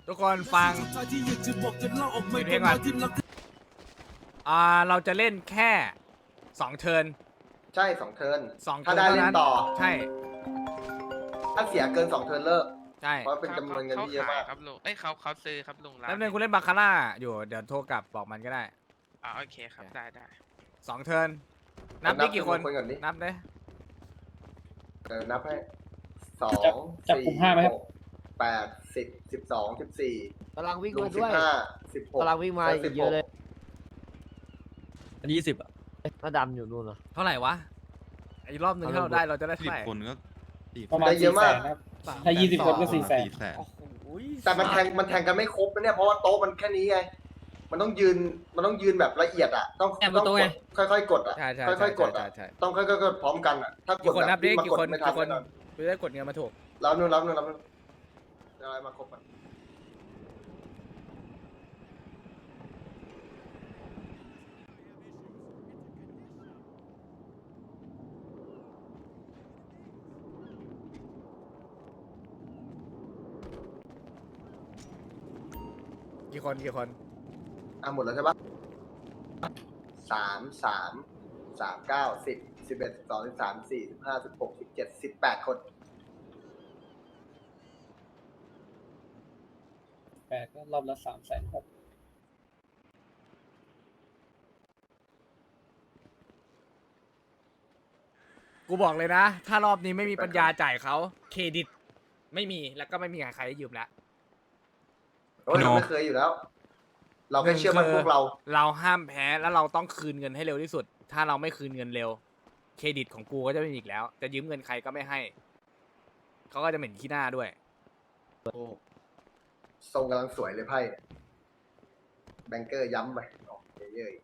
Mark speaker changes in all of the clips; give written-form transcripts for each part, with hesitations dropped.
Speaker 1: ทุกคนฟังเพลงก่อนเราจะเล่นแค่2เทิร์น
Speaker 2: ใช่2เทิร์น
Speaker 1: 2
Speaker 2: ถ้า
Speaker 1: เทิร์น
Speaker 2: ได้
Speaker 1: เท่า
Speaker 2: เล่น
Speaker 1: นั้น
Speaker 2: ต่อ
Speaker 1: ใช่
Speaker 2: ถ้าเสียเกิน2เทิร์นเลิก
Speaker 1: ใช่
Speaker 2: เพราะเป็นจำนวนเงินที่เยอะมาก
Speaker 3: ครับลุงเขาซื้อครับลุงร้าน
Speaker 1: แล้วนึงกูเล่นบาคาร่าอยู่เดี๋ยวโทรกลับบอกมันก็ได้
Speaker 3: โอเคครับได้
Speaker 1: 2เทิร์นนับได้กี่คน
Speaker 2: นับก่อนดิ
Speaker 1: นับได้
Speaker 2: นับให้2
Speaker 4: จับกลุ่ม5ไหมครับ
Speaker 2: 4 8 10 12 14
Speaker 5: กำลังวิ่ง
Speaker 2: ลุ
Speaker 5: มาง ด้วย
Speaker 2: 15 16
Speaker 5: กำลังวิ่งมาอีกเยอะเลย
Speaker 4: อัน20อ่ะ
Speaker 5: หน้าดำอยู่นู่นเหรอ
Speaker 1: เท่าไหร่วะไอ้รอบหนึ่งถ้าเราได้เราจะได้เท่า
Speaker 6: สิบ
Speaker 1: ไหร่
Speaker 6: คนก็สี่
Speaker 4: ประมาณ
Speaker 2: ได้เยอะมาก
Speaker 4: 400,000ครับถ้า20คนก็400,000
Speaker 6: 400,000
Speaker 1: โอ้โห
Speaker 2: แต่มันแทงกันไม่ครบนะเนี่ยเพราะว่าโต๊ะมันแค่นี้ไงมันต้องยืนแบบละเอียดอ่ะต้องกดค่อยๆกดอ่ะ
Speaker 1: ใช่ใช่
Speaker 2: ค่อยๆกดอ่ะ
Speaker 1: ใช่
Speaker 2: ต้องค่อยๆกดพร้อมกันอ่ะถ้าก
Speaker 1: กี่
Speaker 2: ด
Speaker 1: คน
Speaker 2: แบ
Speaker 1: นั
Speaker 2: บบ
Speaker 1: ดิ
Speaker 2: มา
Speaker 1: กี่
Speaker 2: กด
Speaker 1: คน
Speaker 2: ไม่ทัน
Speaker 1: กี่คน
Speaker 2: แน่นอน
Speaker 1: กูจะได้กดเงินมาถูก
Speaker 2: รับนู่นอะไรมาครบอ่ะ
Speaker 1: กี่คน
Speaker 2: หมดแล้วใช่ปะ3 9 10 11 12 13 14 15 16 17 18 คน
Speaker 4: 8ก็รอบละ360,000
Speaker 1: กูบอกเลยนะ ถ้ารอบนี้ไม่มีปัญญาจ่ายเขาเครดิต ไม่มีแล้วก็ไม่มีใครให้ยืมแล้ว
Speaker 2: โอ้ยเราไม่เคยอยู่แล้ว เราแค่เชื่อมั่นพวกเรา
Speaker 1: เราห้ามแพ้แล้วเราต้องคืนเงินให้เร็วที่สุด ถ้าเราไม่คืนเงินเร็ว เครดิตของกูก็จะไม่มีอีกแล้ว จะยืมเงินใครก็ไม่ให้ เขาก็จะเหม็นขี้หน้าด้วย
Speaker 2: ทรงกำลังสวยเลยไพ่แบงเกอร์ย้ำไปออกเยอะ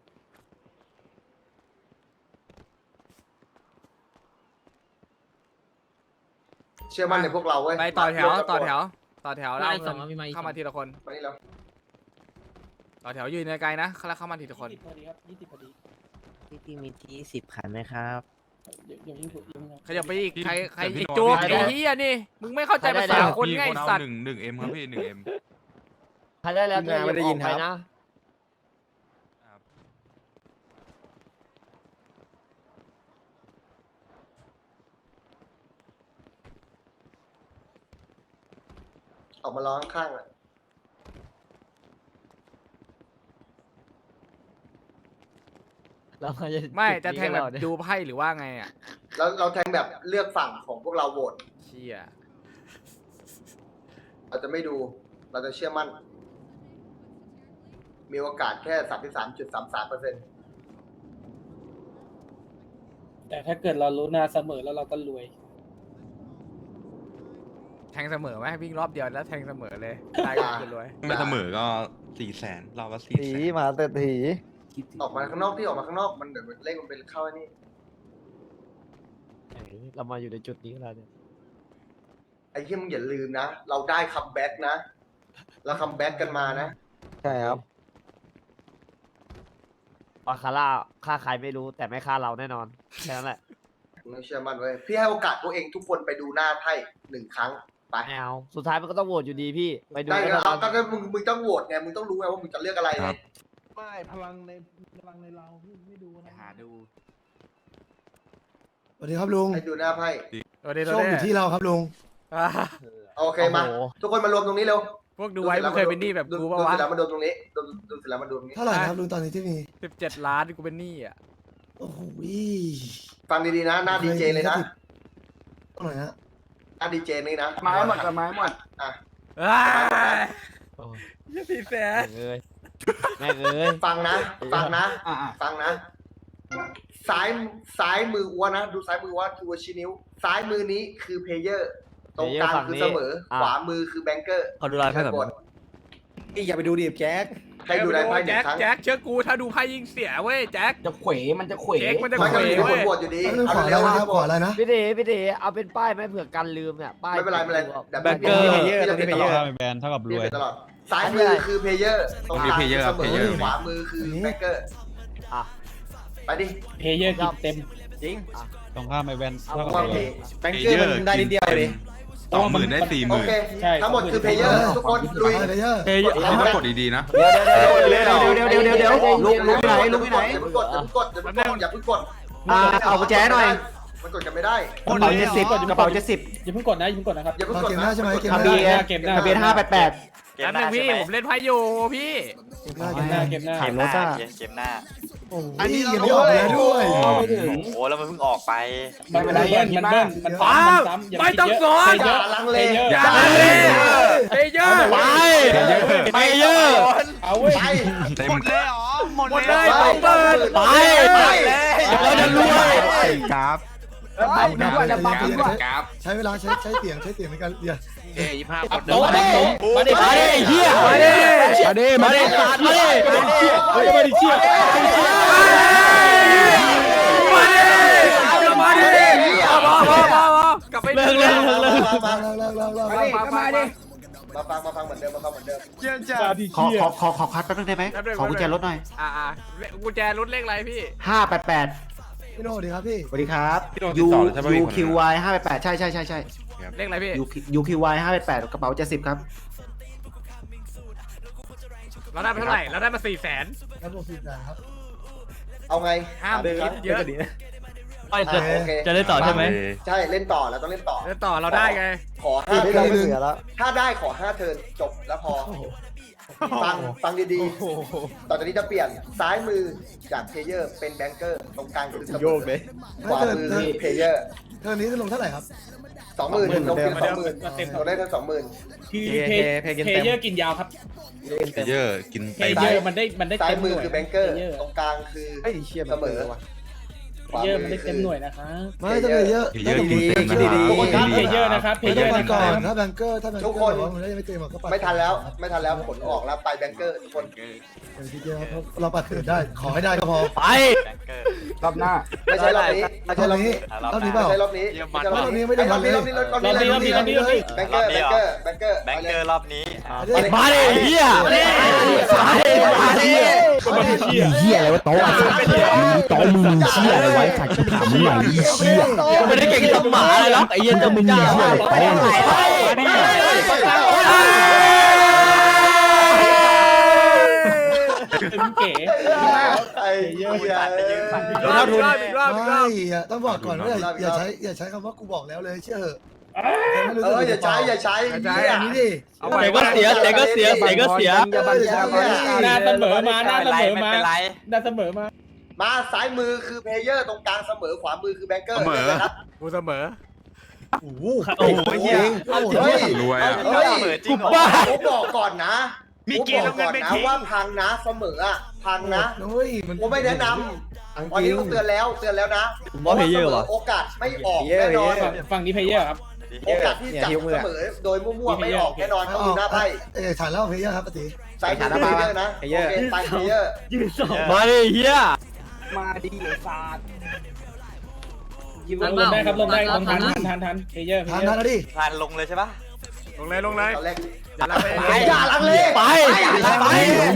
Speaker 2: ๆเชื่อมั่นในพวกเราเว้ย
Speaker 1: ไปต่อแถว
Speaker 2: มา
Speaker 1: ต่อแถวแล้วเอา
Speaker 5: ส
Speaker 1: เงิ
Speaker 5: อง
Speaker 1: น
Speaker 5: มีมาอีก
Speaker 1: เข้ามาทีละคน
Speaker 2: มานี่แล้ว
Speaker 1: ต่อแถวยืนไกลๆนะแล้วเข้ามาทีละคน
Speaker 4: 20พอดีครับ20พอดี
Speaker 5: ที่มีที่10คันไหมครับ
Speaker 4: ยังยิ่งถูกยิ่งครับ
Speaker 1: ขยับไปอีกใคร
Speaker 6: แต่พี่
Speaker 1: อีก
Speaker 6: โน้ต
Speaker 1: โจ๊ก
Speaker 6: พี่
Speaker 1: ไอ้
Speaker 6: โน้ต
Speaker 1: เหี้ยนี่ มึงไม่เข้าใจภาษาคนไงไอ้สัตว์
Speaker 6: หนึ่งเอ็มครับพี่1M
Speaker 5: ใครได้แล้วตัวเองออกไปนะ
Speaker 2: ออกมาร้องข้างๆอ่ะ
Speaker 5: เราจะ
Speaker 1: ไม่จะแทงแบบดูไพ่หรือว่าไงอ่ะ
Speaker 2: แล้วเราแทงแบบเลือกฝั่งของพวกเราโหวต
Speaker 1: เชี่ย
Speaker 2: เราจะไม่ดู เราจะเชื่อมั่น มีโอกาสแค่ 33.33%
Speaker 4: แต่ถ้าเกิดเรารู้หน้าเสมอแล้วเราก็รวย
Speaker 1: แทงเสมอไหมวิ่งรอบเดียวแล้วแทงเสมอเลยได้ก็คือรวย
Speaker 6: ไม่เสมอก็400,000เราก็
Speaker 7: ถี
Speaker 6: 400,000
Speaker 7: มาเศรษฐี
Speaker 2: ออกมาข้างนอกที่ออกมาข้างนอกมันเดี๋ยวเลขมันเป็นเข้าไอ้นี่
Speaker 5: เรามาอยู่ในจุดนี้แล้วเนี่ย
Speaker 2: ไอ้ที่มึงอย่าลืมนะ เราได้คัมแบ็กนะ เราคัมแบ็กกันมานะ
Speaker 7: ใช่ครับ
Speaker 5: บาคาร่าฆ่าใครไม่รู้แต่ไม่ฆ่าเราแน่นอนแค่นั้นแหละ
Speaker 2: มึงต้องเชื่อมั่นไว้ยพี่ให้โอกาสตัวเองทุกคนไปดูหน้าไพ่1 ครั้ง ไป
Speaker 5: ไม่เอาสุดท้ายมันก็ต้องโหวตอยู่ดีพี่ไปดู
Speaker 2: ได้
Speaker 5: กัน
Speaker 2: ก็
Speaker 5: แล้ว
Speaker 2: เอา
Speaker 5: กัน
Speaker 2: ก็มึงต้องโหวตไง มึงต้องรู้ไงว่ามึงจะเลือกอะไรไง
Speaker 7: ไม่พลังในเราไม่ดูนะ
Speaker 1: หาดู
Speaker 8: สวัสดีครับลุง
Speaker 2: ให้ดูหน้าไพ่
Speaker 1: ตัวเดียว
Speaker 8: โชคอยู่ที่เราครับลุง
Speaker 2: โอเคมา ทุกคนมารวมตรงนี้เร็ว
Speaker 1: พวกดูไว้มึงเคยเป็นหนี้แบบกูป่าว
Speaker 2: ดู
Speaker 1: วะ
Speaker 2: เสร็จแล้วมาดูตรงนี้ดูเสร็จแล้วมาดูตรงนี้
Speaker 8: เท่าไหร่ครับลุงตอนนี้ที่มี
Speaker 1: 17 ล้านกูเป็นหนี้อ่ะ
Speaker 8: โอ้โห
Speaker 2: ฟังดีๆนะ หน้าดีเจเลยนะ
Speaker 8: เท่าไหร่ฮะ
Speaker 2: หน้าดีเจนี่นะ
Speaker 7: ไม้หมดกับไม้หมด
Speaker 2: อ่ะ
Speaker 1: เอ้ย
Speaker 5: โอ้ย
Speaker 1: ยี่400,000
Speaker 5: แม่งเอ้ยแม่งเอ้ย
Speaker 2: ฟังนะ ฟังนะ
Speaker 7: อ่า
Speaker 2: ฟังนะ ซ้ายมืออ้วนนะ ดูซ้ายมือว่าคือชี้นิ้ว ซ้ายมือนี้คือเพลเยอร์ ตรงกลางคือเสมอ ขวามือคือแบงเกอร์
Speaker 5: เขาดูลายไพ่แบบ
Speaker 2: กด
Speaker 7: อย่าไปดูดิแจ็ค
Speaker 2: ให้ดูได้ไพ่หนึ่
Speaker 1: แจ็
Speaker 2: ง
Speaker 1: ค
Speaker 2: ครั้ง
Speaker 1: แจ็คเชื่อกูถ้าดูไพ่ยิงเสียเว้ยแจ็ค
Speaker 7: จะเขวมันจะเขว
Speaker 1: เช็คมันจะ
Speaker 2: มันก็มี
Speaker 1: เว้
Speaker 2: คน
Speaker 1: ย
Speaker 2: โหวตอยู่ดี
Speaker 8: ขอ
Speaker 2: เอา
Speaker 8: อะไร
Speaker 2: เร็ว
Speaker 8: นะครับขออะไรนะ
Speaker 5: พี่เด๋เอาเป็นป้ายไหมเผื่อกันลืมเนี่ยป้าย
Speaker 2: ไม่เป็นไรไม่เป็นไรเดี๋ยว
Speaker 5: แบงเกอร์
Speaker 2: พี่จะเป็นตลอด
Speaker 4: แบนเท่ากับร
Speaker 2: พี่
Speaker 4: วย
Speaker 2: เป็นตลอด ซ้ายมือคือเพลเยอร์ ตรงกลางคือเสมอขวามือคือแบงเกอร์
Speaker 5: อ่ะ
Speaker 2: ไปดิ
Speaker 4: เพเยอร์กินเต็ม
Speaker 2: จริง
Speaker 4: ตรงข้ามไอแบน
Speaker 5: เอา
Speaker 4: เท่ากับ
Speaker 2: ว่าร
Speaker 4: วย
Speaker 2: เพ
Speaker 6: แบงเกอร์มันได้นิดเดียวเลย
Speaker 4: ต
Speaker 6: 20,000ได้
Speaker 2: โอเค
Speaker 4: ใช่
Speaker 2: ทั้งหมดคือเพลเยอร์ทุกคนลุย
Speaker 8: ไปเลยเยอะ
Speaker 6: 40,000พี่ต้องกดดีๆนะ
Speaker 5: เดี๋ยวลุงไปไหนลุงไปไหน
Speaker 2: อย่าเพิ่งกดอย่าเพิ่งกดอย่าเพิ่งกด
Speaker 5: เอากุญแจหน่อย
Speaker 2: มันกดกันไม่ได้
Speaker 5: กระเป๋า70กระเป๋า70
Speaker 4: อย่าเพิ่งกดนะอย่าเพิ่งกดนะครับ
Speaker 2: อย่าเพิ่ง
Speaker 8: มาก
Speaker 2: ด
Speaker 8: เกมห
Speaker 2: นะ
Speaker 8: น้าใช่ไหมเกมห
Speaker 4: ทะ
Speaker 8: น้า
Speaker 4: เบียนเก็บหน้า
Speaker 5: ทะเบียน588
Speaker 1: แล้วนึงพี่ผมเล่นไพ่อยู่พี่
Speaker 8: เกมหน้า
Speaker 4: เก็บหน้าเก็บหน้า
Speaker 5: เข็มโนซ่า
Speaker 9: เกมหน้า
Speaker 8: โอ้ยยังไม่ออกแล้วด้วย
Speaker 9: โอ้โหแล้วมันเพิ่งออกไป
Speaker 4: มันเบิ้ลมันซ้ำอย่า
Speaker 1: ไม่ต้องสอน
Speaker 2: อย่าลังเล
Speaker 1: อย่าเลยเพเยอร์
Speaker 5: ไปเยอะ
Speaker 4: เอาเว้ย
Speaker 2: ไป
Speaker 6: เต็ม
Speaker 1: หมดเลยต้องเปิด
Speaker 2: ไป
Speaker 5: เราจะรวย
Speaker 6: กราฟ
Speaker 8: ใช้เวลาใช้เสียงในการเรียน
Speaker 4: โต๊ะมาดิ
Speaker 5: มาดิเฮียมาดิมาดิมาดิมาดิ
Speaker 4: มาดิเชี่ย
Speaker 1: มาดิกลับไป
Speaker 2: มา
Speaker 8: แล้ว
Speaker 2: ฟังเหมือนเดิมมาฟังเหมือนเดิม
Speaker 4: มาดิเชี่ย
Speaker 5: ขอคัดแป๊บนึงได้ไหมขอกุญแจรถหน่อย
Speaker 1: กุญแจรถเลขอะไรพี่
Speaker 5: 588
Speaker 8: พี่โน่ดีครับพี่
Speaker 5: สวัสดีครับ UQY 588ใช่
Speaker 1: เลขอะไรพี่
Speaker 5: UQY 588กระเป๋า70ครับ
Speaker 1: เราได้ไปเท่าไหร่เราได้มา400,000
Speaker 8: ครับผมสิบครับ
Speaker 2: เอาไง
Speaker 1: ห้ามคิดเยอะ
Speaker 2: โอเค
Speaker 5: จะได้ต่อใช่ไหม
Speaker 2: ใช่เล่นต่อแล้วต้องเล่นต่อ
Speaker 1: แล้วต่อเราได้ไง
Speaker 2: ขอ5เทิร์นถ้าได้ขอ5เทิร์นจบแล้วพอฟังดีๆต่อจากนี้จะเปลี่ยนซ้ายมือจากเพลเยอร์เป็นแบงเกอร์ตรงกลางคือโยกเลยขวามือคือเพลเยอร์
Speaker 8: เท่านี้จะลงเท่าไหร่ครับ
Speaker 2: 20,000ลงเป็น20,000เราได้ทั้ง20,000
Speaker 4: คือเพเยอร์กินยาวครับ
Speaker 6: เยอะกิน
Speaker 4: เพ
Speaker 6: เต็ม
Speaker 4: เยอร์มันได้
Speaker 2: ซ้าย
Speaker 4: เต็มห
Speaker 2: มือ
Speaker 4: น่วย
Speaker 2: คือแบงเกอร์ตรงกลางคือเสมอ
Speaker 4: เพเยอร์มันได้เต็มหน่วยนะคะ
Speaker 8: ไม่ต้องเยอะ
Speaker 6: เยอะกินเต็มนะ
Speaker 2: ทุกคนครับ
Speaker 4: เพเยอร์นะครับเพ
Speaker 8: ไม่
Speaker 4: เย
Speaker 8: ต้
Speaker 4: อ
Speaker 8: อง
Speaker 4: ร์
Speaker 8: ก่
Speaker 4: นะ
Speaker 8: อ
Speaker 4: คน รับ
Speaker 8: ถ้าแบงเกอร์มันได้ไม่เต็มก็ปัด
Speaker 2: ไม่ทันแล้วผลออกแล้วไปแบงเกอร์ทุกคน
Speaker 8: ทีเดียวครับเราปัดเกิดได้ขอให้ได้ก็พอ
Speaker 5: ไป
Speaker 9: แบงเกอร์
Speaker 5: รอบหน้า
Speaker 2: ไม่ใช่รอบนี้ไม่ใช่
Speaker 8: ร
Speaker 2: ร
Speaker 8: อ
Speaker 2: อ
Speaker 8: บบ นี้
Speaker 2: นี้
Speaker 8: รอบนี้เปล่า
Speaker 2: ไม่ใช่รอบนี้
Speaker 8: รอบนี้ไม่ได้ทันเลย
Speaker 2: รอบนี้แบงเกอร์
Speaker 9: แบงเกอร์รอบนี้
Speaker 5: มาดิเฮียมาดิเฮียอะไรวะโต๊ะโต๊ะมึงเฮียอะไรไว้ขัดถามมึงหน่อยเฮียไม่ได้เก่งกับหมาเลยหรอกไอ้เหี้ยจะมึงเฮียอะไรโต๊ะ
Speaker 4: เป็นเก๋
Speaker 2: ไอ้เหี้ย
Speaker 1: อีกรอบอีกรอบอีกรอบ
Speaker 8: ไม่ต้องบอกก่อนว่าอย่าใช้คำว่ากูบอกแล้วเลยเชื่อ
Speaker 2: อย่าใช้
Speaker 8: อย่างนี้ดิ
Speaker 1: เอาไป
Speaker 5: ก็เสีย
Speaker 4: หน้าเสมอมาหน้าเสมอมาหน้าเสมอมา
Speaker 2: มาซ้ายมือคือเพลเยอร์ตรงกลางเสมอขวามือคือแบงเกอร์ครับ
Speaker 1: กูเสมอ
Speaker 8: โอ้โห
Speaker 2: เฮ้ย
Speaker 6: รวยอ่ะ
Speaker 2: เฮ้ย
Speaker 9: เปิดจริงเหรอ
Speaker 2: ผมบอกก่อนนะว่าพังนะเสมออ่ะพังนะ
Speaker 8: เฮ้ยมัน
Speaker 2: ผมไม่แนะนำวันนี้ผมเตือนแล้วนะโอกาสไม่ออกแน่นอน
Speaker 4: ฝั่งนี้เพเยอร์ครับ
Speaker 2: โอกาสที่จับเสมอโดยมั่วๆไม่ออกแน่นอนต้องดูหน้าไพ่
Speaker 8: ฐานเล่าเพย์ครับปกติ
Speaker 2: สายมือเพลเยอร์นะโอเคไปเพลเยอร์
Speaker 5: มาดิเฮีย
Speaker 4: ลงได้ครับลงได้ลงทันเพเยอร์
Speaker 8: ฐานนั้นนะดิ
Speaker 9: ผ่านลงเลยใช่ปะ
Speaker 1: ลงเลย
Speaker 2: ตอนแรก
Speaker 1: อย่าลังเล
Speaker 2: อย่าลังเล
Speaker 5: ไปไป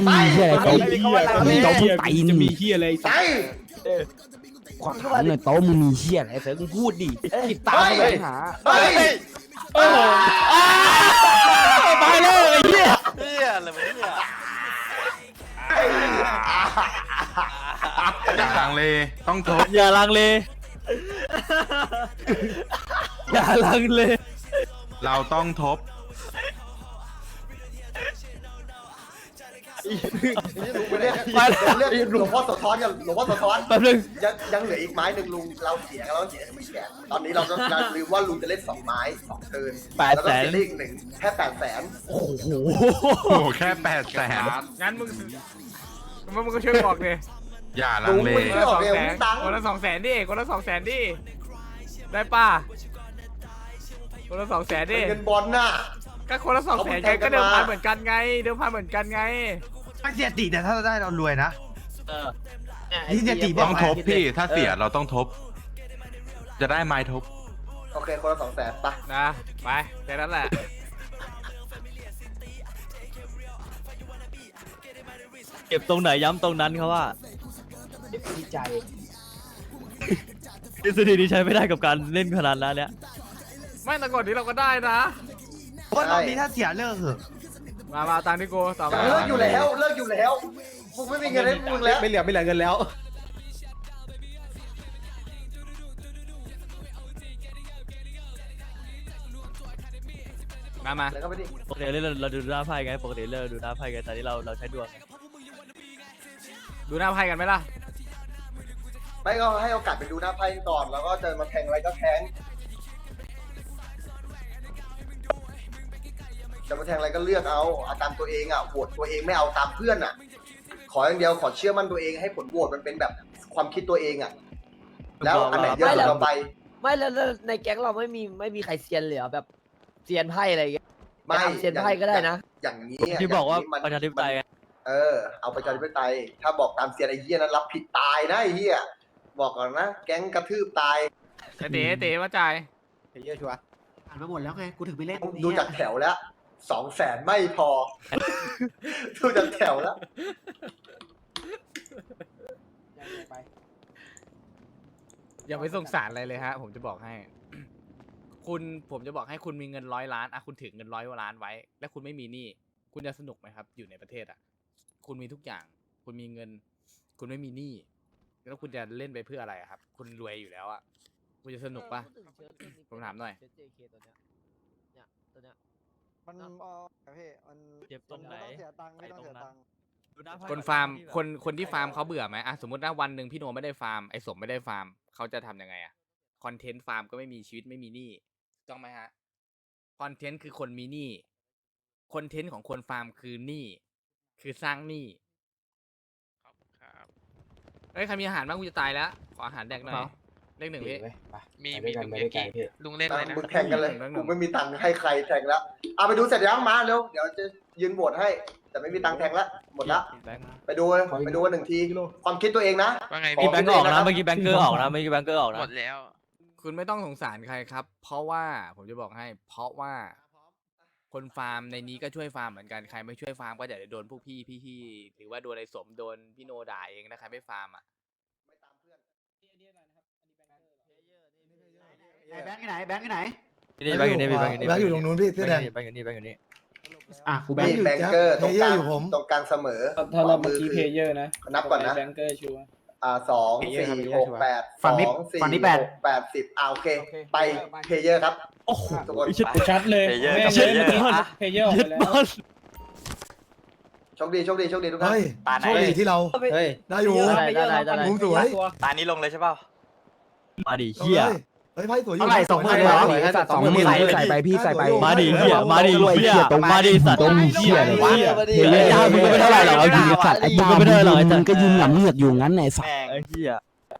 Speaker 4: จะมีเฮียอะไร
Speaker 2: ไป
Speaker 5: ขอถามหน่อยโต๊ะมึงมีเฮียอะไรเสือมึงพูดดิติดตามไปหา
Speaker 2: เฮ้ย
Speaker 4: โอ้โห
Speaker 5: ไปเลยไอ้เฮีย
Speaker 9: เฮียอะไรวะเนี่ย
Speaker 6: อย่าลังเลต้องทบ
Speaker 5: อย่าลังเลอย่าลังเล
Speaker 6: เราต้องทบ
Speaker 2: เรียกหลวงพ่อสะท้อนกันหลวงพ่อสะท้อน
Speaker 5: แป๊บนึง
Speaker 2: ยังเหลืออีกไม้หนึ่งลุงเราเสียกันแล้วเสียไม่เสียตอนนี้เราลืมว่าลุงจะเล่น2ไม้2เทิร์นแล้วก็เสียเลขหนึ่งแค่800,000
Speaker 5: โอ้โห
Speaker 6: โอ้โหแค่800,000
Speaker 1: งั้นมึงก็ช่วยบอกเลย
Speaker 6: อย่าลังเล
Speaker 1: คนละ200,000ดิคนละ200,000ดิได้ป่ะคนละ200,000ดิ
Speaker 2: เงินบอลน่ะ
Speaker 1: ก็คนละ200,000ไงก็เดิมพันเหมือนกันไง
Speaker 7: ถ้าเสียติแต่ถ้าเราได้เรารวยนะ
Speaker 5: นี่จะตี
Speaker 6: ต้องทบพี่ถ้าเสียเราต้องทบ จะได้ไม้ทบ
Speaker 2: โอเคคนละ200,000ไป
Speaker 1: นะไปแค่นั้นแหละ
Speaker 5: เก็บตรงไหนย้ำตรงนั้นเขาว่าใจทฤษฎีนี้ใช้ไม่ได้กับการเล่นขนาดนั้นเนี่ย
Speaker 1: ไม่แต่ก่อนนี้เราก็ได้นะ
Speaker 2: เพราะตอนนี้ถ้าเสีย
Speaker 1: มาตามที่กูต่อมา
Speaker 2: เลิกอยู่แล้วมึงไม่มีเงินให้มึงแล้ว
Speaker 4: ไม่เหลือเงินแล้ว
Speaker 1: มา
Speaker 2: แล้วก็ไปดิ
Speaker 5: ปกติเราดูหน้าไพ่ไงปกติเราดูหน้าไพ่ไงแต่ที่เราใช้ดวง
Speaker 1: ดูหน้าไพ่กันไหมล่ะ
Speaker 2: ไม่ก็ให้โอกาสไปดูหน้าไพ่ก่อนแล้วก็เจอมาแทงอะไรก็แทงจะมาแทงอะไรก็เลือกเอาตามตัวเองอ่ะโหวตตัวเองไม่เอาตามเพื่อนอ่ะ ขออย่างเดียวขอเชื่อมั่นตัวเองให้ผลโหวตมันเป็นแบบความคิดตัวเองอ่ะแล้วอันไหนเยอะสุดเราไป
Speaker 10: ไม่แล้วในแก๊งเราไม่มีใครเซียนเลยเหรอแบบเซียนไพ่อะไรอย่างเงี้ย
Speaker 2: ไม่
Speaker 10: ทำเซียนไพ่ก็ได้นะ
Speaker 2: อย่างนี้ะ
Speaker 5: ที่บอกว่า
Speaker 2: ย่งนี้มัน
Speaker 5: ประชาธิปไตยไง
Speaker 2: เอาประชาธิปไตยถ้าบอกตามเซียนไอ้เหี้ยนั้นรับผิดตายนะไอ้เหี้ยบอกก่อนนะแก๊งกระทืบตาย
Speaker 1: เต๋ว่าจ่าย
Speaker 4: เยอะชัวร์
Speaker 7: อ่านมาหมดแล้วไง กูถึงไปเล่น
Speaker 2: ดูจากแถวแล้ว200,000ไม่พอ ดูจากแถวแล้ว
Speaker 1: อย่าไปสงสารอะไรเลยฮะ ผมจะบอกให้ ผมจะบอกให้คุณมีเงิน100 ล้านคุณถือเงิน100 ล้านไว้ และคุณไม่มีหนี้คุณจะสนุกไหมครับ อยู่ในประเทศคุณมีทุกอย่าง คุณมีเงิน คุณไม่มีหนี้แล้วคุณจะเล่นไปเพื่ออะไรครับ คุณรวยอยู่แล้วคุณจะสนุกปะ ผมถามหน่อย
Speaker 10: มัน
Speaker 5: เจ็บตรงไหน
Speaker 1: คนฟาร์มคนที่ฟาร์มเขาเบื่อไหมสมมตินะวันหนึ่งพี่โนไม่ได้ฟาร์มไอ้สมไม่ได้ฟาร์มเขาจะทำยังไงคอนเทนต์ฟาร์มก็ไม่มีชีวิตไม่มีหนี้ถูกต้องไหมฮะคอนเทนต์คือคนมีหนี้คอนเทนต์ของคนฟาร์มคือหนี้คือสร้างหนี้
Speaker 3: ครับ
Speaker 1: เฮ้ยใครมีอาหารบ้างกูจะตายแล้วขออาหารแดกหน่อยเลข 1พี่
Speaker 3: มีลุงเยกี้ลุงเล่นอะไรนะ
Speaker 2: มึงแข่งกันเลยกูไม่มีตังค์ให้ใครแทงแล้วไปดูเสร็จยังมาเร็วเดี๋ยวจะยืนโหวตให้ แต่ไม่มีตังค์แทงแล้วหมดละไปดูกัน1 ทีความคิดตัวเองนะ
Speaker 3: ว่าไง
Speaker 5: มี
Speaker 3: พี่
Speaker 5: แบงก์ออกนะเมื่อกี้แบงก์เกอร์ออกนะเมื่อกี้แบงก์เกอร์ออกนะ
Speaker 3: หมดแล้ว
Speaker 1: คุณไม่ต้องสงสารใครครับ เพราะว่าผมจะบอกให้ เพราะว่า คนฟาร์มในนี้ก็ช่วยฟาร์มเหมือนกันใครไม่ช่วยฟาร์มก็จะโดนพวกพี่หรือว่าโดนไอ้สมโดนพี่โนด่าเองนะใครไม่ฟาร์ม
Speaker 7: แบงค์ที่ไหน แบงค์ที่ไหน
Speaker 5: นี่แบงก์อยู่นี่แบงก์อยู่นี่
Speaker 8: แบงค์อยู่ตรงนู้นพี่เสื้อแดง
Speaker 5: แบงก์อยู่นี่แบงก์อยู่นี่
Speaker 7: อ่ะ กูแบง
Speaker 2: มี
Speaker 7: ค์อยู่
Speaker 2: แบงเกอร์ตรงกลาง
Speaker 8: อยู่ผม
Speaker 2: ตรงกลางเสมอ
Speaker 4: ถ้าเราเมื่อกี้เพย์เยอร์นะ
Speaker 2: นับก่อนนะ
Speaker 4: แบงเกอร์ชัวร์
Speaker 2: 2 4 6 8
Speaker 7: ฝั่งนี้
Speaker 2: 2 4
Speaker 7: ฝั่งนี้
Speaker 2: 6 8 10โอเค ไปเพเยอร์ครับ
Speaker 5: โอ้โห
Speaker 2: ทุกคน
Speaker 4: ชัดเลย
Speaker 9: เพย์เยอร์
Speaker 4: แม่
Speaker 9: กับ
Speaker 4: งเลย
Speaker 9: เพย์เยอร์
Speaker 4: เมื่อกี้เพย์เยอร์ออก
Speaker 5: ยึ
Speaker 4: ไป
Speaker 5: ด
Speaker 4: แล้ว
Speaker 5: บอล
Speaker 2: โชคดีทุกท่าน
Speaker 8: เฮ้ย
Speaker 9: ตาไหน
Speaker 8: โชคดีที่เรา
Speaker 4: เฮ้ย
Speaker 8: ได้อยู่
Speaker 10: ได้
Speaker 8: มุมสวย
Speaker 9: ตานี้ลงเลยใช่เปล่า
Speaker 5: มาดิเฮีย
Speaker 8: เฮ้ยไพ่สวยอยู่
Speaker 7: เท่าไหร่20,000เลยเหรอ
Speaker 8: ใส่ไปพี่ใส่ไป
Speaker 5: มาดิเฮียมาดิเฮียมาดิสัตว์
Speaker 8: ตรงเหี้ยเลยวะ
Speaker 5: เฮียยามึงก็ไม่เท่าไหร่หรอกเอาจริง
Speaker 8: สัตว์ไอ้
Speaker 5: มึง
Speaker 8: บ้า
Speaker 5: ก็ไม่เท่าไหร่หรอกไอ้
Speaker 8: มึ
Speaker 5: สัต
Speaker 8: ง
Speaker 5: ว์
Speaker 8: ก็ยืนหลังเหงือกอยู่งั้นไงสัตว์
Speaker 9: แม่ง
Speaker 5: ไอ้เฮีย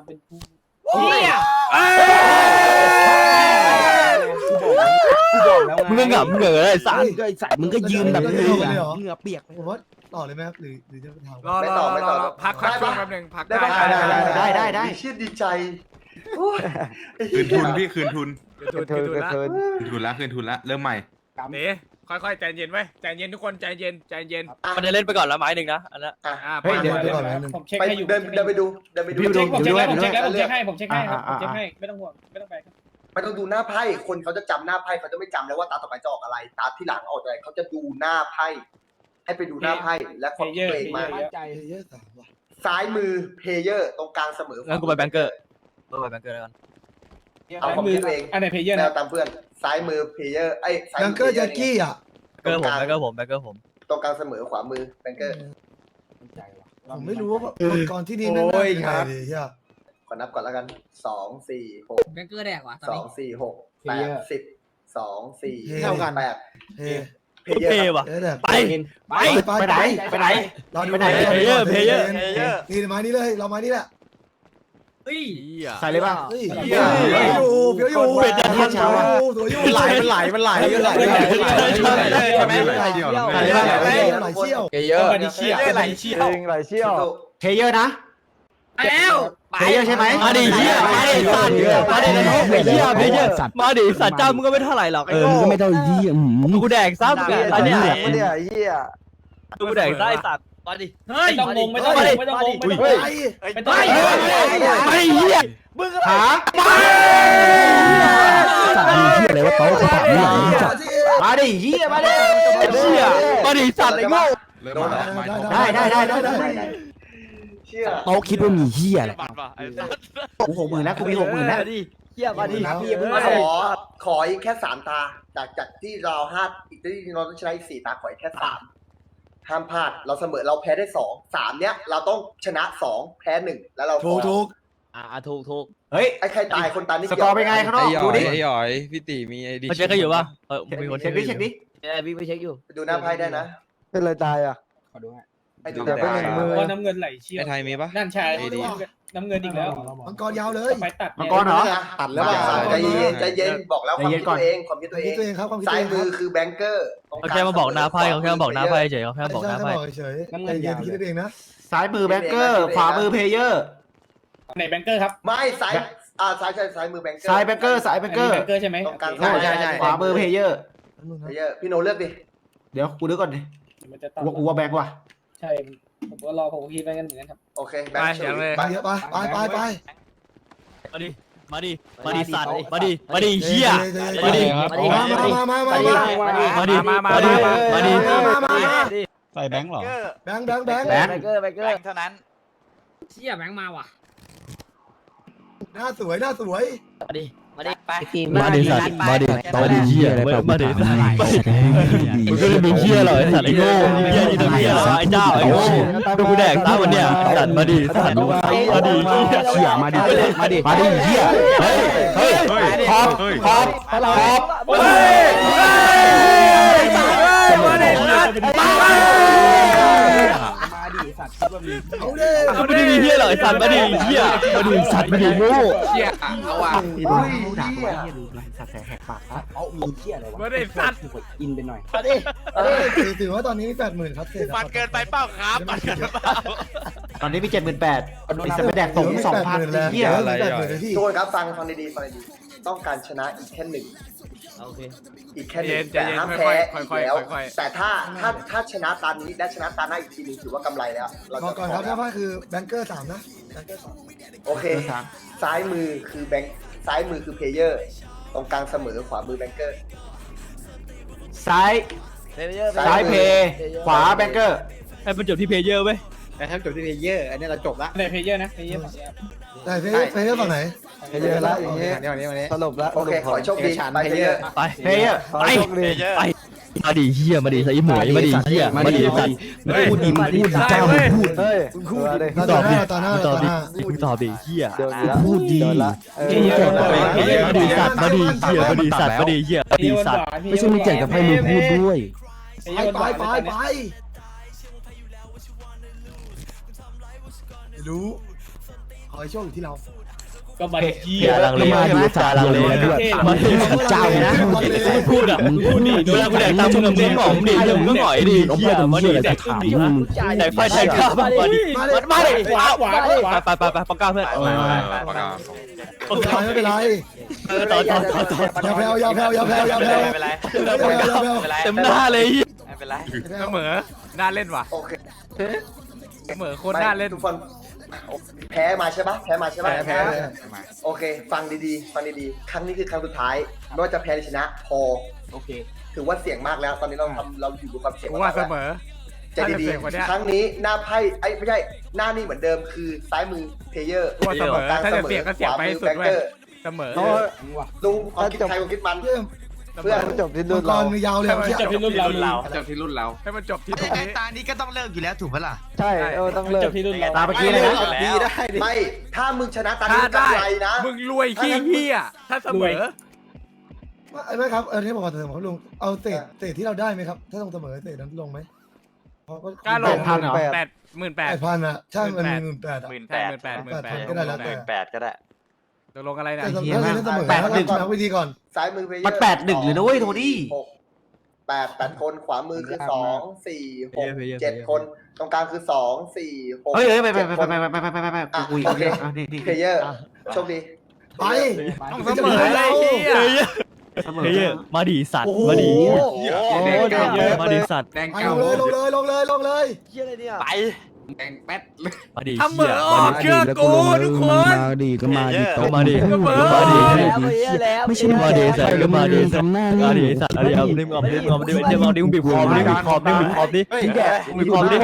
Speaker 5: มึงก็หงับเหงื่อเลยสัตว์
Speaker 8: ไอ้สัตว์มึงก็ยืนแบบนี้เหงื่อเปียกผมว่าต่อเลยไหมครับหรือจะไปทำ
Speaker 1: รอพักช่วงแป๊บนึงพัก
Speaker 2: ได้ปะ
Speaker 7: ได้
Speaker 2: เชื่อดีใจโอ้ย
Speaker 6: คืนทุนพี่คืนทุน
Speaker 1: คืนทุนละ
Speaker 6: คืนทุนละเริ่มใหม่
Speaker 1: เต๋ค่อยๆใจเย็นไว้ใจเย็นทุกคนใจเย็น
Speaker 5: มันจะเล่นไปก่อนละไม้หนึ่งนะอันนั้น
Speaker 4: เฮ้ยเดี๋ยว
Speaker 8: ไปก่อนนะ
Speaker 4: ผมเช็ค
Speaker 2: ไป
Speaker 4: ให้อยู่
Speaker 2: เดินไปดู
Speaker 4: ผมเช็คผมเช็คให้ครับผมเช็คให้ไม่ต้องห่วงไม่ต้องไปครับ
Speaker 2: ไม่ต้องดูหน้าไพ่คนเขาจะจำหน้าไพ่เขาจะไม่จำแล้วว่าตาต่อไปจะออกอะไรตาที่หลังออกอะไรเขาจะดูหน้าไพ่ให้ไปดูหน้าไพ่และความคิดตัวเองมา
Speaker 8: เยอะสามว่ะ
Speaker 2: ซ้ายมือเพเยอร์ตรงกลางเสมอ
Speaker 5: งั้นกูไปแบงเกอร์ไปแบงเกอร์แล้วกัน
Speaker 2: เอาความคิดตัวเอง
Speaker 4: อันไหนเพย์เยอร์
Speaker 2: แน
Speaker 4: นะ
Speaker 2: วตามเพื่อนซ้ายมือเพเยอร์ซ้าย
Speaker 8: แบ
Speaker 2: มื
Speaker 8: งเกอร์แจ็คกี้อ่ะ
Speaker 5: แบงเกอร์ผม
Speaker 2: ตรงกลางเสมอขวามือแบงเกอร์
Speaker 8: ผมไม่รู้ว่าก่อนที่นี่นั่นได้ยังไงดีเฮีย
Speaker 2: ขอนับก่อนแล้วกัน2 4 6
Speaker 10: แบงเกอร์แดกว่ะ
Speaker 2: 2 4 6 8 10 2 4
Speaker 8: เท่ากัน
Speaker 2: 8
Speaker 8: เฮ
Speaker 2: เพเยอ
Speaker 5: เท่
Speaker 2: ร์
Speaker 5: ว่ะ
Speaker 8: เฮ้ยแบบ
Speaker 5: ไป
Speaker 7: ไปไหน
Speaker 8: รอดู
Speaker 5: เพเยอร์
Speaker 9: เพย์เยอร์
Speaker 8: นี่มานี่เลยเรามานี่แหละ
Speaker 7: ใส่เลยป่ะ
Speaker 8: เฮ้ยเพียวอยู่
Speaker 5: เป็ดจะทัน
Speaker 8: สวยอยู่
Speaker 7: มันไหลใช่ไหม
Speaker 8: ไหลเชี่ยว
Speaker 4: ต้องมาดิเชีย
Speaker 9: ไหลเชี่ยว
Speaker 7: เพย์เยอร์นะ
Speaker 10: แล้ว
Speaker 7: เพย์เยอร์ใช่ไหม
Speaker 5: มาดิเฮียมาดิสัตว์มาดินรกไอ้เฮียเพเยอร์มาดิสัตว์เจ้ามึงก็ไม่เท่าไหร่หรอก
Speaker 8: มึงก็ไม่เท่ายี่
Speaker 5: กูแดกซ้ำกันตอนเนี้ยกูแดกได้สัตว์มาดิ
Speaker 4: ไม่ต้องงงไม่ต้องงงไม่ต้องงงไม่ต้องงง
Speaker 5: ไม่ต้องไม่เฮีย
Speaker 7: หา
Speaker 8: สัตว์มีเที่ยอะไรวะโต๊ะ
Speaker 5: มาดิเฮียมาดิเฮียมาดิสัตว์ไอ้โง่
Speaker 2: โดนเหรอ
Speaker 8: ได้
Speaker 2: เชื่อ
Speaker 5: โต๊ะคิดว่ามีเฮียอะไร
Speaker 3: บัตรป่ะไอ้สัส
Speaker 5: กู60,000แล้วกูมี60,000แล้ว
Speaker 10: เฮียมาดิพี่เพิ่ง
Speaker 2: ข
Speaker 10: มา
Speaker 2: ออีกแค่3 ตาจากที่เรา5อีกที่เราต้องใช้อีก4 ตาขออีกแค่3ห้ามพลาดเราเสมอเราแพ้ได้2 3เนี้ยเราต้องชนะ2แพ้1แล้วเรา
Speaker 8: ถูก
Speaker 10: ถูก
Speaker 5: เฮ้ย
Speaker 2: ไอ้ใครตายคนตายนี่
Speaker 5: สกอร์เป็นไงข้างนอกดูดิ
Speaker 6: ไอ้หยอยพี่ตีมีไอดี
Speaker 5: มาเช็คกันอยู่ป่ะมีคนเช็คดิเช็คดิ
Speaker 10: พี่ไปเช็คอยู่
Speaker 2: ดูหน้าไพ่ได้นะ
Speaker 8: เป็นไรตายอ่ะ
Speaker 2: ไอ้ดูหน้าไพ่
Speaker 4: ว่าน้ำเงินไหลเชี่ยว
Speaker 6: ไอไทยมีปะ
Speaker 4: นั่นชายน้ำเงินอีกแล้ว
Speaker 8: มังกรยาวเลย
Speaker 4: ไปตัด
Speaker 5: มังกรเหรอ
Speaker 2: ตัดแล้วใจเย็นบอกแล้วความคิดตัวเองความคิดตัวเอง
Speaker 8: ตัวเองครับความคิด
Speaker 2: ซ้า
Speaker 8: ตั
Speaker 2: ยว
Speaker 8: เอง
Speaker 2: มือคือแบงเกอร์
Speaker 11: เขาแค่มาบอกหน้าไพ่เขาแค่มาบอกหน้าไพ่เฉยเขาแค่บอกหน้าไพ่
Speaker 8: เฉยใจเย็นคิดเองนะ
Speaker 5: ซ้ายมือแบงเกอร์ขวามือเพลเยอร์
Speaker 4: ไหนแบงเกอร์ครับ
Speaker 2: ไม่ซ้ายซ้ายมือแบงเกอร์
Speaker 5: ซ้ายแบงเกอร์ซ้ายแบงเกอร์
Speaker 4: แบงเกอร์ใช่ไหม
Speaker 2: ตรงกลาง
Speaker 5: ใช่ขวามือเพลเยอร์
Speaker 2: พี่โนเลือกดิ
Speaker 5: เดี๋ยวกูนึกก่อนดิ
Speaker 4: มันจะตัด
Speaker 5: กูว่าแบงค์ว่ะ
Speaker 4: ใช่ผมก็รอผมคิดไปกันเหมือนกันครับ
Speaker 2: โอเคแบงค์เฉย
Speaker 8: ไปเยอะไป
Speaker 11: มาดิสัตว์มาดิเฮีย
Speaker 8: มาดิมาดิ
Speaker 9: ใส่แบงค์เหรอ
Speaker 8: แบง
Speaker 10: แบงเกอร์
Speaker 9: แบงค์เท่านั้น
Speaker 10: เชี่ยแบงมาว่ะ
Speaker 8: หน้าสวย
Speaker 10: มาดิไป
Speaker 11: มาดิสัตว์มาดิตอนดิเฮียมาดิสัตว์มึงก็เลยมีเฮียเหรอไอ้สัตว์ไอ้โง่เฮียนี่ตัวเฮียเหรอไอ้เจ้าไอ้โง่ดูกูแดกตาวันเนี้ยสัตว์มาดิสัตว์มาดิ
Speaker 5: เชี่ยมาดิเฮียเฮ้ยขอบ
Speaker 1: มาดิสัตว์
Speaker 8: เอาดิ
Speaker 11: ก็ไม่ได้มีเฮียเหรอไอ้สัตว์มาดิเฮียมาดิสัตว์มาดิโง่
Speaker 1: เชี่ยเอาว่ะ
Speaker 5: สัตว์แหกปาก
Speaker 1: มาดิสัตว์
Speaker 10: มาดิ
Speaker 8: ถือว่าตอนนี้มี80,000ครับเศษ
Speaker 3: บัตรเกินไปเปล่าครับบัตรเกินไปเปล่า
Speaker 5: ตอนนี้มี78,000ไอ้สัตว์ไปแดกส่ง2,000
Speaker 8: แล้ว
Speaker 5: เฮีย
Speaker 8: 80,000พี่
Speaker 2: ทุกคนครับฟังดีต้องการชนะอีกแค่1
Speaker 10: โอเค
Speaker 2: อีกแค่หนึ่ง
Speaker 1: ใจ
Speaker 2: แต่
Speaker 1: เย็น
Speaker 2: ห้าม
Speaker 1: ค่
Speaker 2: แพ้
Speaker 1: อย
Speaker 2: อีก
Speaker 1: ๆค่อย
Speaker 2: แล้ว
Speaker 1: ๆค่อย
Speaker 2: แต่ถ้าชนะตานี้และชนะตาหน้าอีกทีนึงถือว่ากำไรแล้วเรา
Speaker 8: บอก
Speaker 2: จะ
Speaker 8: ก่อนครับถ้าคือแบงเกอร์3นะแบงเกอร์
Speaker 2: โอเค ซ้ายมือคือแบงค์ซ้ายมือคือเพลเยอร์ ตรงกลางเสมอขวามือแบงเกอร์
Speaker 5: ซ้ายเพขวาแบงเกอร์
Speaker 11: ให้มันจบที่เพเยอร์เว้ย
Speaker 5: แต่ถ้าจบที่เพลเยอร์อันนี้เราจบละ
Speaker 4: ไหนเพเยอร์นะเพเยอร์
Speaker 8: แต่เฟย์ฝั่งไหน
Speaker 5: เยอะละอย่างเงี้ยสรุปละ
Speaker 2: โอเคขอให้โชคดีไปเพลเยอร์
Speaker 11: ไป
Speaker 5: เพลเยอร์ไป
Speaker 11: ไปมาดิเฮียมาดิใส่หมวยมาดิเฮียมาดิสัตว์
Speaker 5: พูดดีเจ้าพูด
Speaker 8: ต่อหน้า
Speaker 11: ตอบดิเฮีย
Speaker 5: พูดดี
Speaker 11: มาดิสัตว์มาดิเฮียมาดิสัตว์มาดิเฮียมาดิสัตว์ไม่ใช่มึงเก่งกับให้มึงพูดด้วย
Speaker 8: ไปรู้ขอให้โชคอยู่ที่เรา
Speaker 4: ก็มาดิเฮี
Speaker 11: เฮี
Speaker 4: ย
Speaker 11: ยลังเลมาดิสัตว์ลังเลด้วยมาดิเจ้านะมึงพูดอ่ะมึงพูดดิเวลากูแดกตามมึงมึงหงอมดิมึงก็หงอยดิเฮียมาดิแดกขึ้นดิแดกไฟแดกข้าวมาดิมาดิขวาไปปากกาเพื่อน
Speaker 8: ไม่เป็นไร
Speaker 11: ต่อ
Speaker 8: อย่าแพ้
Speaker 9: ไม่เป็นไร
Speaker 11: เต็มหน้าเลย
Speaker 9: ไม่เป็นไร
Speaker 1: เสมอน่าเล่นว่ะ
Speaker 2: โอเค
Speaker 1: เสมอโคตรน่าเล่น
Speaker 2: ทุกคนแพ้มาใช่ปะแพ้โอเค ฟังดีๆครั้งนี้คือครั้งสุดท้ายไม่ว่าจะแพ้หรือชนะพอ
Speaker 5: โอเค
Speaker 2: ถือว่าเสี่ยงมากแล้ว ตอนนี้เราอยู่กับความเสี่ยง
Speaker 1: ผมว่าเสมอ
Speaker 2: ใจดีๆครั้งนี้หน้าไพ่ไม่ใช่หน้านี่เหมือนเดิมคือซ้ายมือเพลเยอร์
Speaker 1: ว่าเสมอถ้าจะเสี่ยงก็เสี่ยงไปให้สุดเว้ยเสมอ
Speaker 2: ลุงความคิดใครความคิดมัน
Speaker 8: เพื่อนจบที่รุ่นเรายาวเลย
Speaker 4: จบที่รุ่นเรา
Speaker 1: จบที่รุ่นเราให้มันจบที่ตรงนี้
Speaker 9: ตานี้ก็ต้องเลิกอยู่แล้วถูกปะล่ะ
Speaker 8: ใช่ต้องเลิ
Speaker 4: จ
Speaker 8: ก
Speaker 4: บที่รุ่นเรา
Speaker 5: ตามเมื่อกี้เลยนะ
Speaker 2: ไม่ถ้ามึงชนะตา
Speaker 1: ถ้า
Speaker 2: นี้
Speaker 1: ได้
Speaker 2: กำไรนะ
Speaker 1: มึงรวยขี้เหี้ยถ้าเสมอ
Speaker 8: ไม่ครับที่ผมขอเสนอครับลุงเอาเศษที่เราได้ไหมครับถ้าต้องเสมอเศษนั้นลงไหม
Speaker 1: กล้าลง
Speaker 5: 8,000เหรอ
Speaker 8: 8,000อ่ะใช่มันมี18,000อ่ะ
Speaker 1: 18,000
Speaker 8: ก็ได้แล้วแต่
Speaker 9: 18,000ก็ได้
Speaker 1: ตกลงอะไรนะ
Speaker 8: แต่เสมอแล้ววิธีก่อน
Speaker 2: ซ้ายมือเพลเยอร์
Speaker 5: มัน8-1เลยนะเว้ยโทนี่
Speaker 2: 8 คนขวามือคือ2 4 6 7 คนตรงกลางคือ2 4 6
Speaker 5: เฮ้ยไป
Speaker 2: อ่ะ
Speaker 5: คุย
Speaker 2: โอเค
Speaker 5: นี่
Speaker 2: เพลเยอร์โชคดี
Speaker 8: ไป
Speaker 1: ต้องเสมออะไรเหี้ย
Speaker 11: เพเยอร์มาดิสัตว์มาดิมาดิสัตว์
Speaker 1: แดง
Speaker 8: ไป
Speaker 1: เก่า
Speaker 8: ลงเลย
Speaker 10: เชี่ยอะไรเนี่ย
Speaker 9: ไป
Speaker 3: แดงแป๊ดเลย
Speaker 11: มาดิ
Speaker 1: ทำเหมือนออกเชื่อกูทุกคน
Speaker 5: มาดิก็มาดิโต๊ะ
Speaker 11: มาดิ
Speaker 1: ก็เหมือน
Speaker 11: มาดิ
Speaker 5: ไม่ใช่
Speaker 11: มาดิใส่ก็มาดิ
Speaker 5: ทำหน้านี่
Speaker 11: มาดิสัตว์อะไรเอาดิมึงเอาดิมึงเอาดิมึงเอาดิมึงบีบคอมึงบีบคอมึงบีบคอดิ
Speaker 2: เฮ้ย
Speaker 11: บีบคอดิ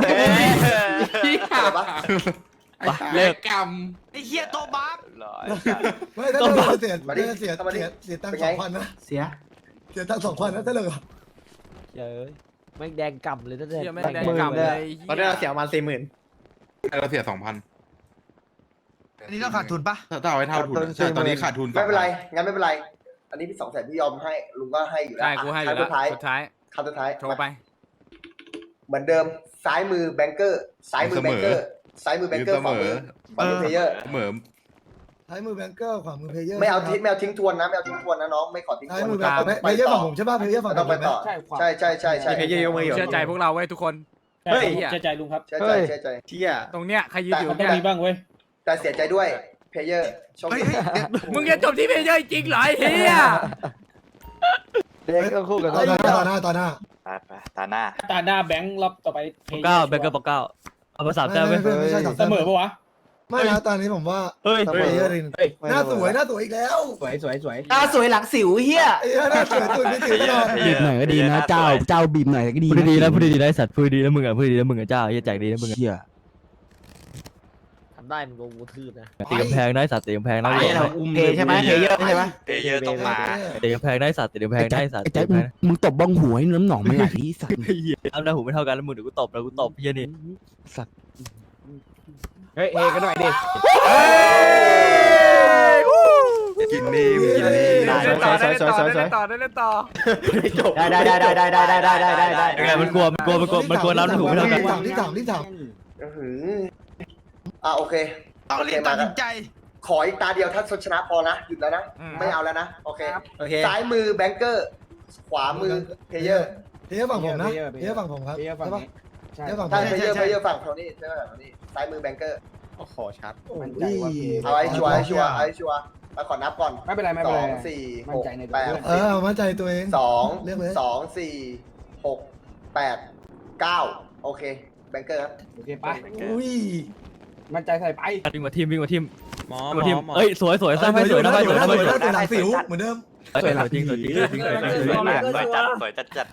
Speaker 2: อะไรปะ
Speaker 11: เลิก
Speaker 3: กรรม
Speaker 9: ไอ้เหี้ยโตบัฟ
Speaker 8: ไม่ถ้าเราเสียเสียตังค์2,000นะ
Speaker 9: เสีย
Speaker 8: เสียตังค์2,000นะถ้าเรา
Speaker 10: เย้ยแม่งแดงก่ำเลยถ้า
Speaker 1: เหี้ยแม่งแดงกำเลย
Speaker 3: ตอนนี้เราเสียประมาณ40,000
Speaker 6: เราเสีย 2,000
Speaker 9: อันนี้เราขาดทุนปะ
Speaker 6: ถ้าเอาไว้เท่าทุนใช่ตอนนี้ขาดทุน
Speaker 2: ไม่เป็นไรงั้นไม่เป็นไร อันนี้พี่200,000พี่ยอมให้ลุงก็ให้อยู่แล้ว
Speaker 1: ได้กูให้อยู่แล้ว
Speaker 2: สุดท้าย
Speaker 1: สุดท้าย
Speaker 2: คำสุดท้าย
Speaker 1: โทรไป
Speaker 2: เหมือนเดิมซ้ายมือแบงเกอร์ซ้ายมือแบงเกอร์ซ้ายมือแบงเกอร์ขวามือเพลเยอร์
Speaker 6: เหมือ
Speaker 8: ท้ายมือแบงเกอร์ขวามือเพย์เยอร์
Speaker 2: ไม่เอาทิ้งทวนนะไม่เอาทิ้งทวนนะน้องไม่ขอทิ้งท
Speaker 8: ท้าย
Speaker 2: วน
Speaker 8: มือแบงเกอร์เพย์เยอร์ฝั่งผมใช่ป่ะเพย์เยอร์ฝั่ง
Speaker 2: ต้องไปต่อใช่
Speaker 3: เพย์เยอร์ยกมืออยู่
Speaker 1: เชื่อใจพวกเราไว้ทุกคน
Speaker 4: เฮ้ยเชื่อใจลุงครับ
Speaker 2: เชื่อใจ
Speaker 3: เชี่ย
Speaker 1: ตรงเนี้ยใครยืนอยู่
Speaker 4: มันต้อ
Speaker 1: เนี่
Speaker 4: งมี
Speaker 1: ย
Speaker 4: บ้างเว้ย
Speaker 2: แต่เสียใจด้วยเพย์เยอร์ชม
Speaker 1: มึงจะจบที่เพย์เยอร์จริงเหรอไอ้เฮีย
Speaker 10: เด็กก็คู่กัน
Speaker 8: ต่อหน้า
Speaker 9: ตาหน้า
Speaker 4: ตาหน้าแบงค์รอบต่อไป
Speaker 11: เก้าแบงเกอร์ปอกเก้าเอาภาษาแต้มไป
Speaker 8: ไม่ใช่
Speaker 4: เสมอปะวะ
Speaker 8: ไม่นะตอนนี้ผมว่า
Speaker 11: เฮ้ย
Speaker 8: เพย์เยอร์หน้าสวยอีกแล้ว
Speaker 3: สวย
Speaker 9: ตาสวยหลังสิวเหี้ย
Speaker 8: หน้าสวยตุ่นไม่ถึงตลอด
Speaker 5: บีบหน่อยก็ดีนะเจ้าบีบหน่อยก็ดี
Speaker 11: พูดดีๆนะพูดดีๆนะไอ้สัตว์พูดดีๆนะมึงอ่ะพูดดีๆนะมึงอ่ะเจ้าเฮียแจกดีนะมึงอ่ะ
Speaker 5: เชี่ย
Speaker 10: ทำได้มึงโดนกูทืบนะ
Speaker 11: ตีกำแพงนะไอ้สัตว์ตีกำแพงนะ
Speaker 9: เพย์ใช่ไหมเพย์เยอร์ใช่ไหม
Speaker 3: เพย์เยอร์ต้องมา
Speaker 11: ตีกำแพงนะไอ้สัตว์ตีกำแพงนะไอ้สัตว์
Speaker 5: ไอ้แจ็คมึงตบบ้องหัวให้น้ำหนองมันไหลสัตว์
Speaker 11: เฮียทำหน้าหูไม่เท่ากันแล้วมึงเดี๋ยวกูตบแล้วกูตบเฮียนี่
Speaker 3: เฮ้ยเฮกันหน่อยดิ
Speaker 6: กินนี่กินนี่
Speaker 1: ได้เล่นต่อได้เล่นต่อ
Speaker 9: ได้
Speaker 11: ยังไงมันกลัวน้ำหูไม่เท่ากัน
Speaker 8: รีบถาม
Speaker 2: โอเค
Speaker 9: ต้องรีบตัดสินใจ
Speaker 2: ขออีกตาเดียวถ้าชนะพอนะหยุดแล้วนะไม่เอาแล้วนะโอเค
Speaker 3: โอเค
Speaker 2: ซ้ายมือแบงเกอร์ขวามือเพย์เยอร์
Speaker 8: เพย์เยอร์ฝั่งผมนะเพย์เยอร์ฝั่งผมครับ
Speaker 3: เพย์เยอร์ฝั่ง
Speaker 8: ใช่
Speaker 3: นี้
Speaker 8: ปะเพย์เยอร์ฝั่งผม
Speaker 2: เพย์เยอร์ฝั่งเท่านี้ใช่ไหมฝั่งนี้ซ้ายมือแบงเกอร์
Speaker 3: โอ้โหชัดมั่นใจว่าเพย์
Speaker 2: เอาไอ้ชัวร์มาขอนับก่อน
Speaker 3: ไม่เป็นไร
Speaker 2: 2 4
Speaker 3: มั่นใจใน
Speaker 2: 6
Speaker 3: ตัวเพื่อน
Speaker 8: มั่นใจตัวเอง
Speaker 2: 8
Speaker 8: เลือกเลย
Speaker 2: 2 4 6 8 9โอเคแบงเกอร์ครับ
Speaker 3: โอเคไป
Speaker 8: อุ้ย
Speaker 3: มั่นใจใส่ไป
Speaker 11: วิ่งมาทิม
Speaker 3: หมอ
Speaker 11: เอ้ยสวยสวยสร้างให้สวยนะให้สวยนะให้สวย
Speaker 8: ตัวหลังสิวเหมือนเดิม
Speaker 11: สวยจริงสวยจริงสวยจริงสวยจริง
Speaker 9: สวยจัด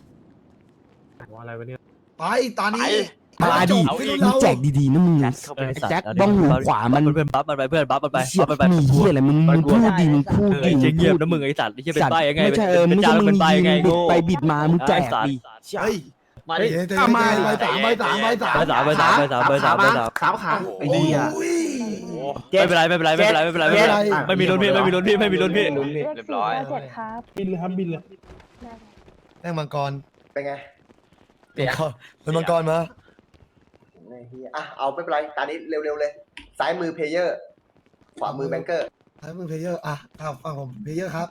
Speaker 8: ไปตอนนี้
Speaker 5: มาดิมึงแจกดีๆนะมึงแจ็คบ้องหูขวามัน
Speaker 11: เพื่อนบัฟมันไปเพื่อนบัฟมันไป
Speaker 5: เชี่ย
Speaker 11: มันไป
Speaker 5: มีเหี้ยอะไรมึงพูดดีมึงพูดดี
Speaker 11: เจ๊เงียบนะมึงไอ้สัตว์ไอ้เหี้ยเป็นใบยังไง
Speaker 5: ไม่ใช่
Speaker 11: เป็น
Speaker 5: ไม่
Speaker 11: จ้า
Speaker 5: ใช่มึ
Speaker 11: เป็
Speaker 5: ง
Speaker 11: นใบยังไง
Speaker 5: บิด
Speaker 11: โง่
Speaker 5: ไปบิดมามึงแจกดิ
Speaker 8: เฮ้ย
Speaker 10: มาดิ
Speaker 8: ใบ3
Speaker 11: เบอร์สามขาไอ้เหี้ยไม่เป็นไรไม่มีลุ้นพี่ไม่มีลุ้นพี่
Speaker 9: เรียบร้อย
Speaker 7: บินเลยครับบินเลย
Speaker 8: แม่งมังกร
Speaker 2: เป็นไง
Speaker 8: เป็นมังกรมา
Speaker 2: เอาไม่เป็นไรตอนนี้เร็วๆเลยซ้ายมือเพย์เยอร์ขวามือแบงเกอร์
Speaker 8: ท้ายมือเพย์เยอร์ฝั่งผมเพย์เยอร์ครับ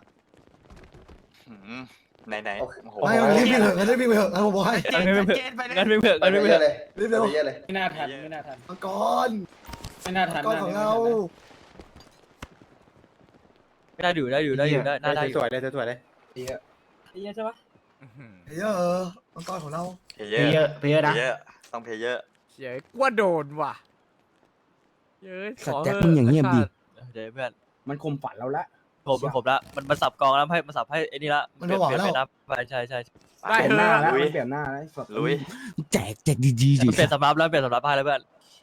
Speaker 9: ไหน
Speaker 8: ไม่รีบวิ่งเถอะรีบวิ่งไปเถอะผมบอกให้
Speaker 9: เจนไปเลย
Speaker 11: งั้นไม่เพื่อน
Speaker 2: ไปเยอะเลย
Speaker 8: รีบเร็ว
Speaker 2: ไปเยอะเลย
Speaker 4: ไม่น่าทัน
Speaker 8: มังกร
Speaker 4: ไม่น่าทัน
Speaker 8: มังกรของเรา
Speaker 11: ได้อยู่ได้
Speaker 3: สวยเลย
Speaker 4: เยอะใช่ปะ
Speaker 8: เพย์เยอร์มังกรของเรา
Speaker 9: เพย์เยอร์นะต้องเพย์เยอร์
Speaker 1: เย้กว่าโดนว่ะเย้ย
Speaker 5: สัตว์แจ็คมึงอย่างเงียบดิ
Speaker 11: เดี๋ยวเพื่อน
Speaker 3: มันคมฝันเราละ
Speaker 11: ผมละมันสับกองแล้วให้มันสับให้ไอ้นี่ละใช่
Speaker 1: ได้
Speaker 3: เปลี่ยน
Speaker 1: เถ
Speaker 3: หน้า
Speaker 1: อะ
Speaker 3: แล้วเปลี่ยนหน้าแล้ว
Speaker 9: ลุย
Speaker 5: แจกดีๆดิ
Speaker 11: เปลี่ยนสำรับแล้วเปลี่ยนสำรับให้แล้วเพื่อน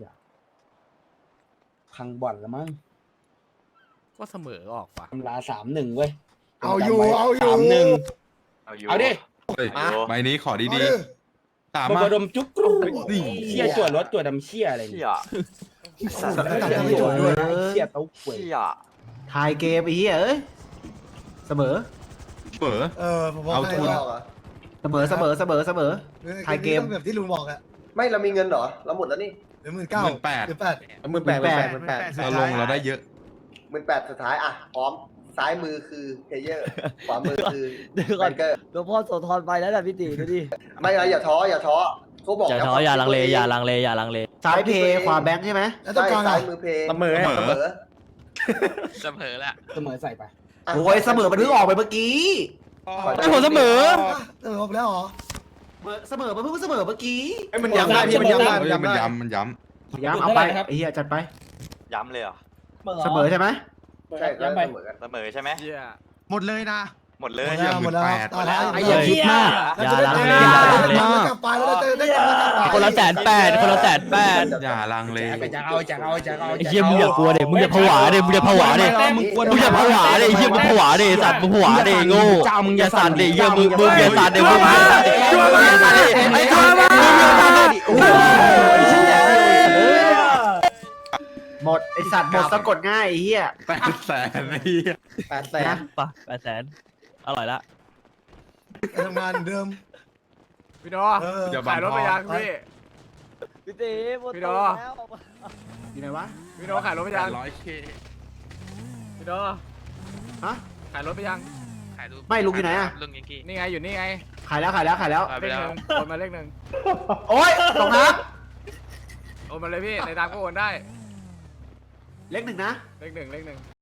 Speaker 3: พังบ่อนแล้วมั้ง
Speaker 1: ก็เสมอออกว่ะ
Speaker 3: ตำรา3-1เว้ย
Speaker 8: เอาอยู่
Speaker 3: 3-1 เอาดิ
Speaker 6: ใบนี้ขอดีๆ
Speaker 3: มาบดมจุ๊กเชี่ยจวดรถจวดดำเชี่ยอะไร
Speaker 9: เชี่
Speaker 3: เนี่ย
Speaker 9: ย
Speaker 8: ตัดกันไม่จบด้วย
Speaker 3: เชี่ยเต้าหวย
Speaker 9: เชี่ยทายเกมไอ้เหี้ยเอ้ยเสมอ
Speaker 8: ผมบอกให้
Speaker 9: เสมอ
Speaker 8: เกมแบบที่ลุงบอกอะ
Speaker 2: ไม่เรามีเงินเหรอเราหมดแล้วนี่
Speaker 8: เหลือ18,000
Speaker 6: 18,000เราลงเราได้เยอะ
Speaker 2: 18,000สุดท้ายพร้อมซ้ายมือคือเพย์เยอร์ขวามือคือแบงเกอร์
Speaker 10: หลวงพ่อโสธรไปแล้วนะพี่ตีดูดิ
Speaker 2: ไม่อย่าท้อเขาบอก
Speaker 11: อย่าท้ออย่าลังเล
Speaker 9: ซ้ายเพย์ขวาแบงค์ใช่ไหม
Speaker 8: แล้วต้องการ
Speaker 2: ซ้า
Speaker 8: อะ
Speaker 2: ยมือเพย์
Speaker 3: เสมอ
Speaker 9: เสมอละ
Speaker 3: เสมอใส่ไป
Speaker 9: โอ้ยเสมอมันเพิ่งออกไปเมื่อกี้
Speaker 11: ไอ้ผมเสมอ
Speaker 8: ครบแล้วเหรอ
Speaker 9: เสมอมาเพิ่งเสมอเมื่อกี้
Speaker 2: ไอ้มันย้ำได้พี่มันย้ำได้
Speaker 6: เฮ้ยมันย้ำมันย้
Speaker 9: ย้ำเอาไปไอ้เหี้ยจัดไป
Speaker 11: ย้ำเลยเหรอ
Speaker 9: เสมอใช่ไหม
Speaker 2: ใช่
Speaker 4: ย้ำไป
Speaker 2: เสมอกัน
Speaker 11: เสมอใช่ไหม
Speaker 1: เหี้ย
Speaker 5: หมดเลยนะ
Speaker 11: หมดเลย
Speaker 8: หมดแล้วตายแล้ว
Speaker 5: ไอ้เหี้ยคิดมาก
Speaker 8: อย่าลังเลอย่าลังเลกลับไปแล้วได้กลับมากลับไป
Speaker 11: คนละ180,000คนละ180,000
Speaker 6: ำอย่าลังเล
Speaker 4: จะเอาจะเอาจะเอา
Speaker 11: ไอ้เหี้ยมึงอย่ากลัวเด็มึงอย่าผวาเด็มึงอย่าผวาเด็มึงอย่าผวาเด็ไอ้เหี้ยมึงผวาเด็สัตว์มึงผวาเด็โง่มึงอย่าสั่นเด็เหี้ยมึงอย่าสั่นเด็มึงอย่าสั่นเด็ไอ้ตัวมา
Speaker 9: หมดไอสัตว์หมดสะกดง่ายไอ้เหี้ย
Speaker 6: 800,000ไอ้เหี้ย
Speaker 11: 800,000ป่ะ800,000อร่อยละ
Speaker 8: ไปทำงานเดิม
Speaker 1: พี่โด
Speaker 6: อย่าบัง
Speaker 1: ขายรถไปยัง
Speaker 8: ไป
Speaker 1: พี่
Speaker 10: พี่ตีหมด
Speaker 1: พี่โด
Speaker 10: ตัวแล้ว
Speaker 9: อยู่ไหนวะ
Speaker 1: พี่โดขายรถไปยัง
Speaker 6: 800K
Speaker 1: พี่โด
Speaker 9: ฮะ
Speaker 1: ขายรถไปยัง
Speaker 9: ไม่ลุงอยู่ไหนอะ
Speaker 1: นี่ไงอยู่นี่ไง
Speaker 9: ขายแล้ว
Speaker 1: เลขหนึ่งโอนมาเลขหนึ่ง
Speaker 9: โอ๊ยตกน้
Speaker 1: โอนมาเลยพี่ในตามก็โอนได้
Speaker 9: ำเลขหนึ่งนะ
Speaker 1: เลขหนึ่ง